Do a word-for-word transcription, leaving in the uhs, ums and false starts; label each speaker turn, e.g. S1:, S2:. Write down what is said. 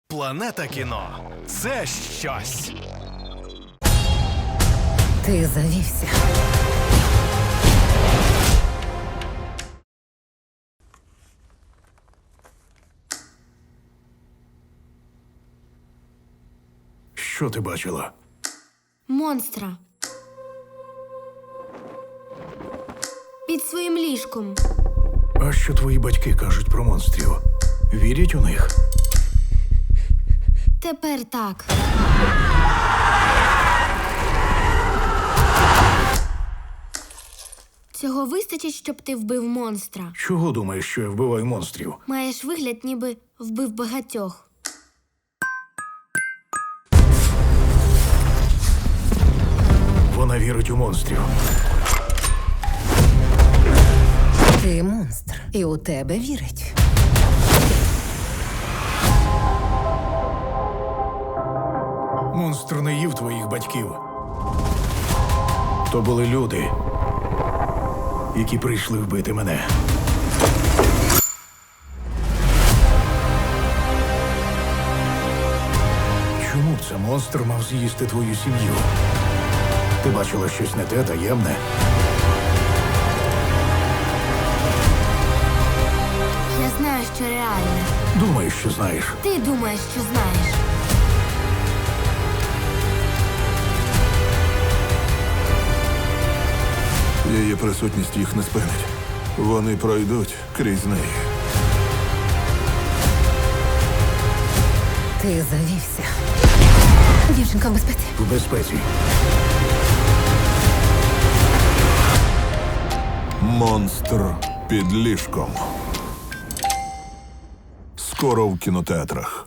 S1: Планета кіно – це щось.
S2: Ти завівся.
S3: Що ти бачила?
S4: Монстра. Під своїм ліжком.
S3: А що твої батьки кажуть про монстрів? Вірять у них?
S4: Тепер так. Цього вистачить, щоб ти вбив монстра.
S3: Чого думаєш, що я вбиваю монстрів?
S4: Маєш вигляд, ніби вбив багатьох.
S3: Вона вірить у монстрів.
S2: Ти монстр, і у тебе вірить.
S3: Монстр не їв твоїх батьків. То були люди, які прийшли вбити мене. Чому б це монстр мав з'їсти твою сім'ю? Ти бачила щось не те, таємне?
S4: Я знаю, що реальне.
S3: Думаєш, що знаєш.
S4: Ти думаєш, що знаєш.
S5: Її присутність їх не спинить. Вони пройдуть крізь неї.
S2: Ти завівся. Дівчинка в безпеці.
S3: В безпеці.
S5: Монстр під ліжком. Скоро в кінотеатрах.